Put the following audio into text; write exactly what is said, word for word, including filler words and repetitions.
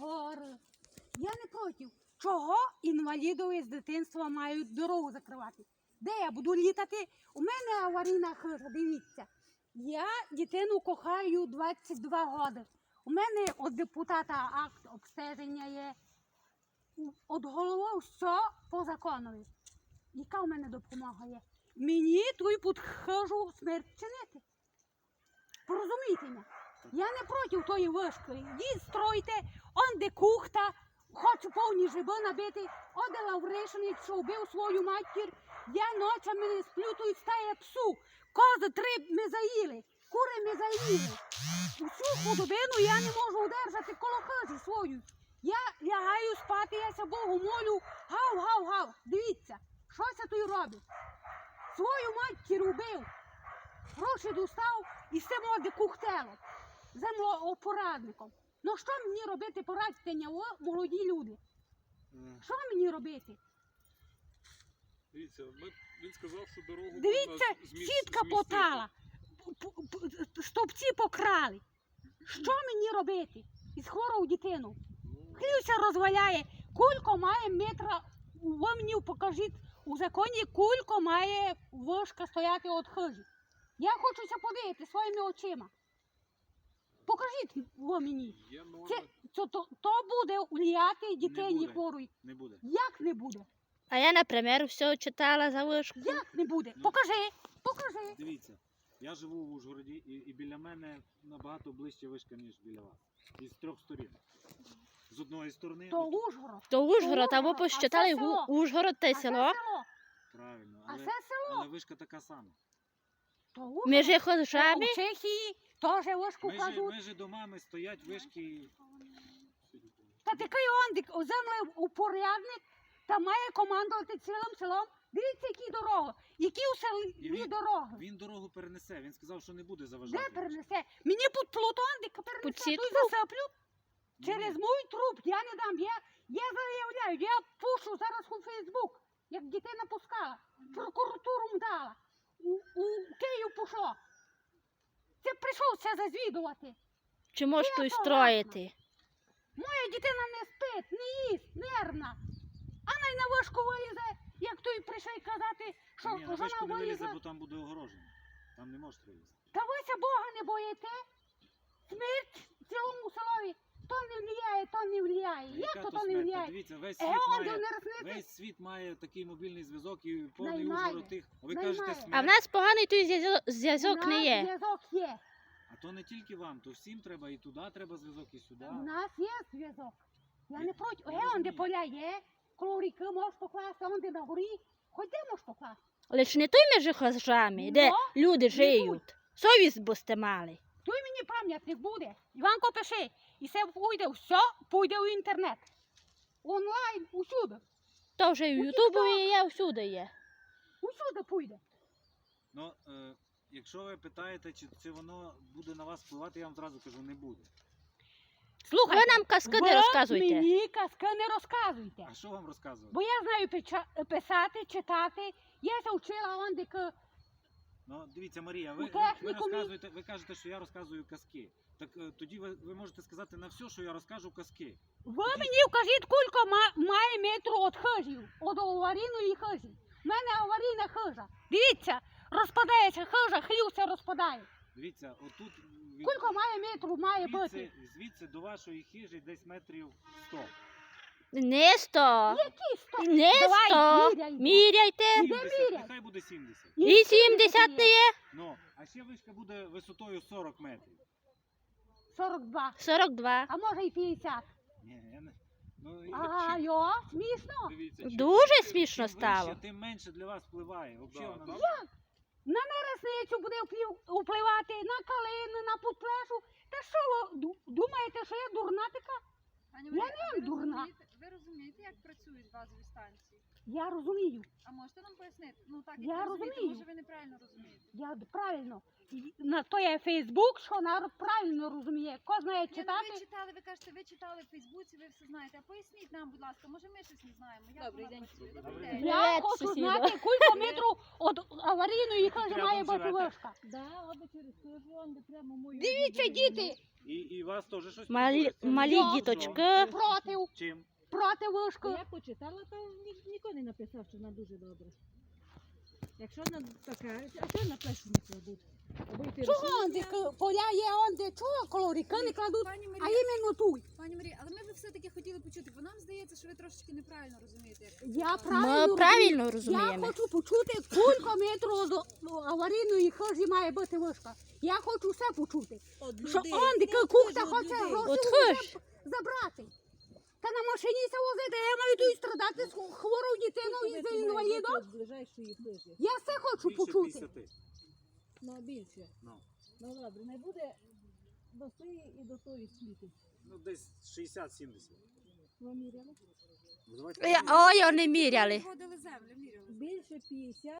гори. Я не проти. Чого інвалідові з дитинства мають дорогу закривати? Де я буду літати? У мене аварійна хижа, дивіться. Я дитину кохаю двадцять два роки. У мене від депутата акт обстеження є. Від голови все по законові. Яка у мене допомога є? Мені твою підхожу смерть чинити. Порозумійте мене. Я не проти тої вишки. Йдіть, стройте, он де кухта, хочу повні жиби набити, оде Лавришин, що вбив свою матір. Я ночами не сплю, тут стає псу. Кози три ми заїли, кури ми заїли. Усю худобину я не можу удержати коло хижі свою. Я лягаю спати, я ся Богу молю, гав-гав-гав. Дивіться, що це тут робить? Свою матір убив, гроші достав і з цим оде кухтело, землеопорадником. Ну що мені робити, порадьте мені, молоді люди? Що мені робити? Дивіться, ми, він сказав, що дорогу Дивіться, сітка потала, стовпці покрали. Що мені робити? Із хворою дитину. Хлюся розваляє, кулько має метра, ви мені покажіть у законі, кулько має вишка стояти від хижі. Я хочуся подивити своїми очима. Покажіть ви мені. Це, це, то, то буде влияти дитині хворої. Не буде. Як не буде? А я, наприклад, все читала за вишку. Як не буде? Ну, Покажи, покажи. Дивіться, я живу в Ужгороді і, і біля мене набагато ближче вишка, ніж біля вас. Із трьох сторін. З одної сторони... То от- Ужгород. То Ужгород, а ви Ужгород, посчитали а це село. Ужгород те А це село. село. Правильно, А але, це село. але вишка така сама. То Ужгород. Між Е, хижами. У Чехії теж вишку Межі, кладуть. межі домами стоять вишки. Та такий ондик, землеупорядник, та має командувати цілим селом. Дивіться, які дороги. Які у І селі він- дороги. Він дорогу перенесе, він сказав, що не буде заважати. Де перенесе? Мені під плутондик Під перенесе, сітку? тут засиплю. Ні, Через ні. мій труп я не дам. Я, я заявляю, я пушу зараз у Фейсбук, як дитина пускала. Прокуратуру дала. У, у Київ пішло. Це прийшов це зазвідувати. Чи можеш Я тут согласна. строїти? Моя дитина не спить, не їсть, нервна. А най на вишку вилізе, як той прийшов казати, що Ні, на вишку вона не вилізе, вилізе. бо там буде огорожено. Там не може вилізти. Та вися Бога не боїте? Смерть цілому селові. То не влияє, то не влияє. Як Яка то то то не смерть? Та влияє? Дивіться, весь Е, світ, он має, не рознити. весь світ має такий мобільний зв'язок і повний Наймає. Ужгород тих. А ви Наймає. кажете А в смерть. нас поганий той зв'язок- У зв'язок нас не є. зв'язок є. А то не тільки вам, то всім треба і туди треба зв'язок, і сюди. У нас є зв'язок. Я Я- не проти. я Е, он де розумію. поля є, коло ріки можеш покласти, он де на горі. Хоч де можеш покласти. Лиш не той між хижами, де Ну, люди не живуть. Совість бо сте мали. Той мені пам'ятник буде. Іванко пиши. І все пойде, все пойде в інтернет. Онлайн, усюди. То вже і в Ютубі є, всюди є. Усюди пойде. Ну, е, якщо ви питаєте, чи, чи воно буде на вас впливати, я вам зразу кажу, не буде. Слухайте, Ви нам казки не ви розказуйте. мені казки не розказуйте. А що вам розказувати? Бо я знаю печа- писати, читати. Я се вчила он де к- Ну, дивіться, Марія, ви, У ви, ви технікумі- розказуєте, ви кажете, що я розказую казки. Так е, тоді ви, ви можете сказати на все, що я розкажу казки. Ви мені вкажіть, кілько ма- має метру від хижів, від аварійної хижі. У мене аварійна хижа. Дивіться, розпадається хижа, хлюся розпадає. Дивіться, отут від, Кілько має метру має бути? звідси, звідси до вашої хижі десь метрів сто. Не сто. Які сто? Не Давай, сто. міряй. Міряйте. сімдесят, міряй? нехай буде сімдесят. І сімдесят не є. Ну, а ще вишка буде висотою сорок метрів. сорок два. сорок два. А може і п'ятдесят. Ні, я не... Ну, і Ага, чим- йо, смішно. Дивіться, чим Дуже вище- смішно чим стало. вище, тим менше для вас впливає. Взагалі Да, воно... так. На нересницю буде вплів- впливати, на калину, на путплешу. Та що ви ду- думаєте, що я дурна така? Пані Я Марія, не ви дурна. розумієте- Ви розумієте, як працюють базові станції? Я розумію. А можете нам пояснити? Ну так, Я як ви розумієте, розумію. може ви неправильно розумієте. Я д- правильно. І на то є Фейсбук, що народ правильно розуміє. Кожен знає Ні, ну, читати. ви читали, ви кажете, ви читали в Фейсбуці, ви все знаєте. А поясніть нам, будь ласка, може ми щось не знаємо. Як Добрий вона день. працює? Добрий Добрий день. день. Я Привет, хочу сусіда. знати, кілька метрів від аварійної хижі Рядом має бути живете? вишка. Да, аби через хижу, он де прямо мою. Дивіться, діти, І, і вас теж щось Малі, турбує? Це малі що? діточки. проти, Чим? проти вишки. Я почитала, то ні, ніхто не написав, що вона дуже добра. Якщо вона така, а що на плечі не кладуть? Аби йти Чого рушниця, онде к- поля є, онде чого колоріки не кладуть, Пані а Марія, іменно тут. пані Марія, але ми б все-таки хотіли почути, бо нам здається, що ви трошечки неправильно розумієте. Як Я Ми правильно правильно Я розуміємо. хочу почути, кілька метрів до аварійної хижі має бути вишка. Я хочу все почути. От Що людей, онде не кухта от хоче людей. гроші От вже хиж. забрати. Та на машині се возити, я маю тут страдати з хворою дитиною і за інвалідом. От ближайшої хижі. Я все хочу Більше почути. п'ятдесят. Ну, більше. Ну. Ну, добре, не буде до тої і до тої скільки. Ну, десь шістдесят-сімдесят. Ви міряли? Ну, давайте Ой, вони міряли. Вводили землю, міряли. Більше п'ятдесят.